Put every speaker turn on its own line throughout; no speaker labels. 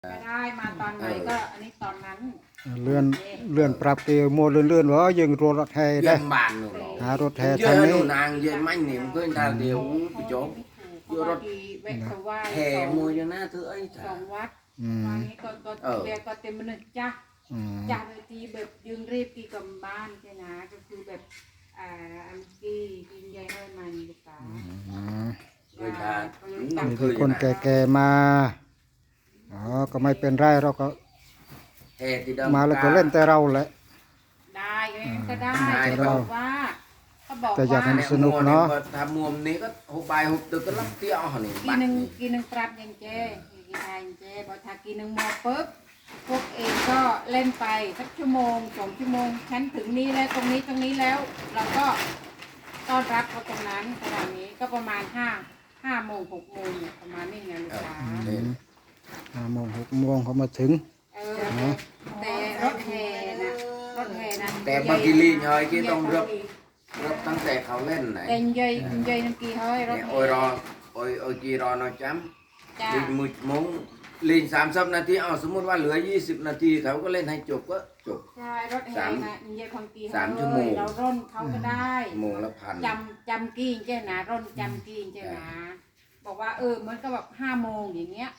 ไม่ได้มาตอนไหนก็อันนี้ตอนนั้น
เลื่อนเลื่อนปรับเกโมเลื่อนว่ายังรถแห่ได้
dân bàn rồi đó
หารถแห่
giờ
ทางนี้
đồ nàng giờ manh niệm cứ ta đều cái chỗ
เพราะว่าดีแวะไปไหว้
hè mua cho nó thứ ấy
สอง
thà
วัด
อืม
วันนี้ก็เรียกก็เต็มมันจ้ะ
อืม
จ้ะเลยทีแบบยืนรีบกี่กับบ้านใช่นะก็คือแบบอันกี้กินใหญ่ให้มันลูกสาว
อืม
người ta
มีแต่คนแก่ๆมาอ๋อก็ไม่เป็นไรเราก็
hè thì đâu
มาแล้วก็เล่นแต่เราแหละ
ได้ก็ได้
ได้
เขาบอกว่าเขาบอก
แต่อยากให้
ว่า
สนุกเนอะ
ทำมุมนี้ก็หกใบหกตึกก็รับเตี้ยหนิ
กีหนึ่งปรับยังเจกีไทยเจบอกถ้ากีหนึ่งมอปุ๊บพวกเองก็เล่นไปสักชั่วโมง2 ชั่วโมงฉันถึงนี้แล้วตรงนี้แล้ว เราก็ต้อนรับเขาตรงนั้นประมาณนี้ก็ประมาณ5 โมง 6 โมงเนี่ยประมาณนี้ไงลูกค้า
5 โมง 6 โมงเขามาถึง
แต่รถแห่นะรถแห่นั้น
แต่บางทีลีหน่อยที่ต้องรับตั้งแต่เขาเล่นไหน
แต่ยัยน้ำกีเฮ้ยรถ
เนี่ย
แห่
โอ้ยรอโอ้ยจีรอน้อยจ้
จ้า
ำลีมือมงลีน30 นาทีเอาสมมติว่าเหลือ20 นาทีเขาก็เล่นให้จบก็จบ
ใช่รถแห่นะยัยพังกี
สามชั่วโมง
เราร่นเขาก็ได้
โมงละพัน
จำกี้เจ้านะร่นจำกี้เจ้านะบอกว่ามันก็แบบ5 โมงอย่างเงี้ย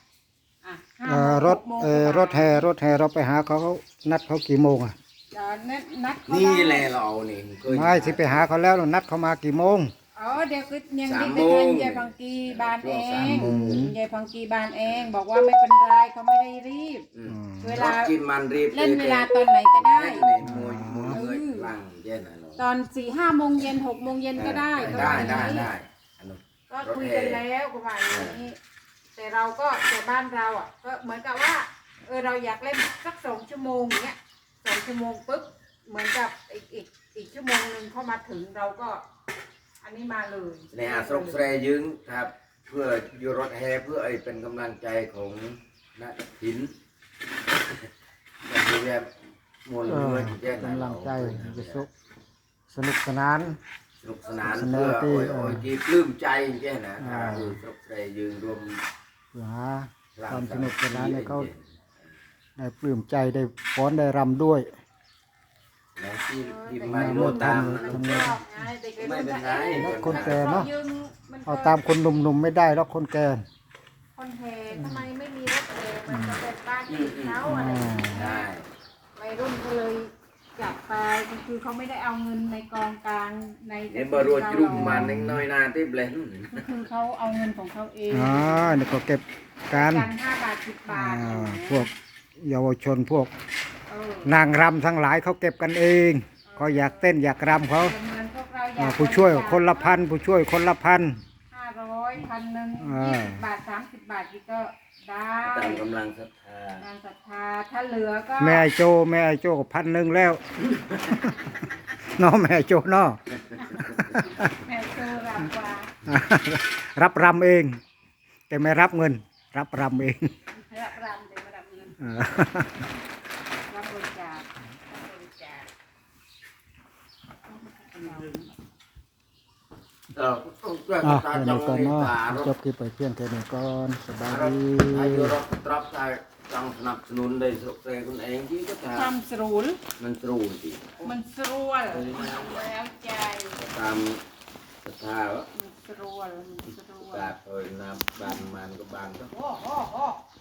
5 โมง
รถ
6 โมง
รถแห่เราไปหาเขานัดเขากี่โมงอ่ะ
นัดเขา
นี่
ได้
แหละเรานี่เคย
ไม่สิไปหาเขาแล้วนัดเขามากี่โมง
เดี๋ยวคือยัง
3
รีบไป
โมง
ทันยายพังกีบานเอ
ช่วง
ง
3 โมง
ยายพังกีบานเอง บอกว่าไม่เป็นไรเขาไม่ได้รีบ เวลา
รถกินมันรีบ
เล่นเวลาตอนไหนก็ได้
เล่นเลยมวยเอ้ยลังเย็นอะไร
ตอน4-5 โมงเย็น6 โมงเย็นก็ได้
ได้
ก็ว่าอย่างนี้
ได้อันนั้น
ก็คุยกันแล้วก็ว่าอย่างนี้แต่เราก็แต่บ้านเราก็เหมือนกับว่าเราอยากเล่นสัก2 ชั่วโมงเนี้ย2 ชั่วโมงปุ๊บเหมือนกับอีกชั่วโมงนึงเข้ามาถึงเราก็ อันนี้มาเลย
เนี่ยสรุปแสดงยึงครับเพื่ออยู่รถแห่เพื่อไอ้เป็นกำลังใจของนักหินแบบแบบมวลเรือที่แจ้ง
กำลังใจจะสนุกสนาน
สนุกสนานเพื่อโอ้ยที่ปลื้มใจแจ้งนะคือสรุปแสดงยึงรวม
เพื่อหาความสนุกสนานให้เขาได้ปลื้มใจได้ฟ้อนได้รำด้วย
แล้วที่มาโมตาม ไม่เป็นไร
คนแก่เนาะเอาตามคนหนุ่มๆไม่ได้หรอกคนแก่
คนแห่ทำไมไม่มีรถแห่มันจะเป็นบ้านที่เขาอะไรอย่างเงี้
ได้
ยวัยรุ่นก็เลยจับไปคือเขาไม่ได้เอาเงินในกองกลางใน
เห็นบรัวจุ่มมันน้อยนาที่เบลน
คือเขาเอาเงินของเขาเอง
นี่ก็เก็บการ
กัน5 บาท 10 บาท
พวกเยาวชนพวก
เออน
างรำทั้งหลายเขาเก็บกันเองเขาอยากเต้นอยากรำเขา
เหมือนพวกเราอยาก
ผู้ช่วยคนละพันผู้ช่วยคนละพัน
500 1,000 20 บาท 30 บาทนี่ก็ได้
ตามกำลังศรัทธา
งานศรัทธาถ้าเหลือก็
แม่ไอ้โจก็1,000แล้ว เนาะแม่ไอ้โจเนาะ
แม่โซรับกว่า
รับรำเอง แต่ไม่รับเงิน รับรำเอง
รับรำเดี๋ยวมารับเงินรับบริจาครับริจาค
ต้องช่วย
อ่ะ
ตา
แค่
จ
นี้
ง
ก่อน
มี
เนาะ
ตาร
จ
ถ
บคลิปไปเพียงแค่นี้ก่อนสบาย
รถ
ดี
อายุรถตรับตาจังสนับสนุนได้สุขใจคุณเองที่ก็
ควา
ทำ
มสรูล
มันตรูจริง
มันสรวลแล้วใจ
ตามศรัทธาวะ
มันสรวลมันสรวล
กาดเอ้ยน้ำบานมันก็บานก็
โอ้